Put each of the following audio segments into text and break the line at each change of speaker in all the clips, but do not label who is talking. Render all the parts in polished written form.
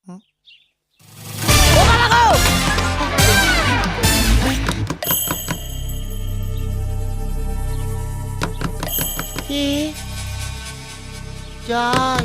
যাই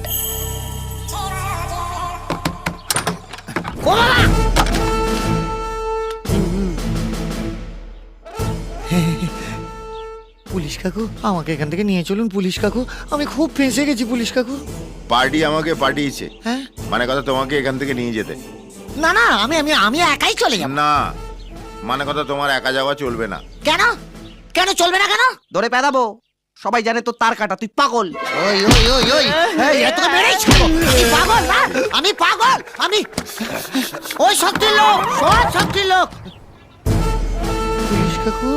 পুলিশ কাকু, আমাকে এখান থেকে নিয়ে চলুন পুলিশ কাকু, আমি খুব ফেঁসে গেছি পুলিশ কাকু।
পার্টি আমাকে পাঠিয়েছে,
হ্যাঁ
মানে কথা তোমাকে এখান থেকে নিয়ে যেতে।
না না, আমি আমি আমি একাই চলে যাব।
না মানে কথা তোমার একা যাওয়া চলবে না।
কেন কেন চলবে না কেন?
ধরে পেদাবো, সবাই জানে তো তার কাটা, তুই পাগল।
ওই ওই ওই ওই এই এত মেরেই ছাড়বো। আমি পাগল না, আমি পাগল, আমি ওই শক্তির লোক, সব শক্তির লোক। পুলিশ কাকু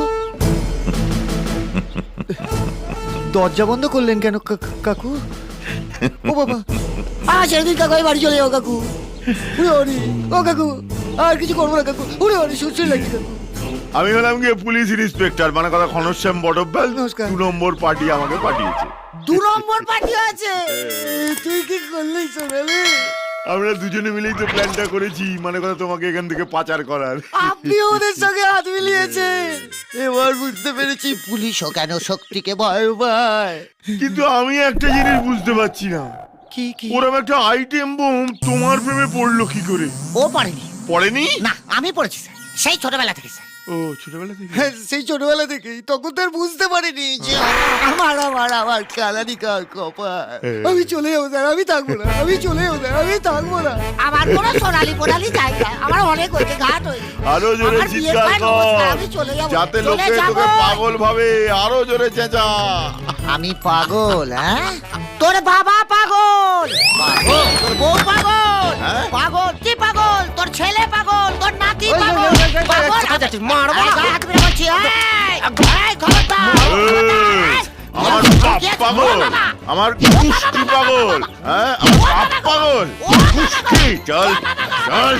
দরজা বন্ধ করলেন কেন কাকু? ও বাবা, ছেড়ে দিন কাকু, আমি বাড়ি চলে যাবো কাকু। উড়ে ওরে ও কাকু, আর কিছু করবো না কাকু, উড়ে ওরে সুস্থ লাগছে কাকু।
আমি হলাম গিয়ে পুলিশ ইন্সপেক্টর, মানে কথা ঘনশ্যাম বটব্যাল।
নমস্কার।
2 নম্বর পার্টি আমাকে পাঠিয়েছে।
2 নম্বর পার্টি আছে? তুই কি করলি সোনালি?
আমরা দুজনে মিলেই তো প্ল্যানটা করেছি, মানে কথা তোমাকে এখান থেকে পাচার করার।
আপনি ওদের সঙ্গে হাত মিলিয়েছেন। এবার বুঝতে পেরেছি পুলিশও কেন শক্তিকে ভয় পায়।
কিন্তু আমি একটা জিনিস বুঝতে পারছি না,
কি কি?
ওরকম একটা আইটেম বোম তোমার প্রেমে পড়লো কি করে?
ও পারেনি।
পড়েনি?
না, আমি পড়েছি স্যার, সেই ছোটবেলা থেকে স্যার।
ও ছোটবেলা থেকে?
হ্যাঁ, সেই ছোটবেলা থেকেই। তখন তো আর বুঝতে পারিনি যে আমার কালানি কার কপাল। আমি চলে যাবো স্যার, আমি থাকবো না, আমি চলে যাবো স্যার, আমি থাকবো না। আমার কোনো সোনালি পোনালি জায়গা, আমার অনেক হয়েছে, ঘাট হয়েছে।
আরো জোরে
আমার বিয়ের
চিৎকার
পর
কর,
নমস্কার, আমি চলে যাবো,
যাতে
চলে
লোকে
যাবো।
তোকে পাগল ভাবে। আরো জোরে চেঁচা।
আমি পাগল? হ্যাঁ, তোর বাবা পাগল, পাগল তোর বউ পাগল,
হ্যাঁ?
পাগল তুই পাগল, তোর ছেলে পাগল, তোর নাতি পাগল, পাগল।
মারবো না।
হাত মেরে বলছি, এই, খবরদার,
এই, আমার বাপ পাগল, আমার কুষ্টি পাগল, হ্যাঁ আমার বাপ পাগল, কুষ্টি। চল চল।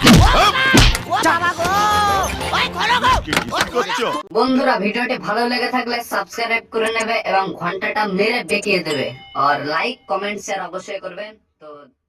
কি করছো?
বন্ধুরা ভিডিওটি ভালো লেগে থাকলে সাবস্ক্রাইব করে নেবে এবং ঘন্টাটা মেরে বেঁকিয়ে দেবে আর লাইক কমেন্ট শেয়ার অবশ্যই করবেন। তো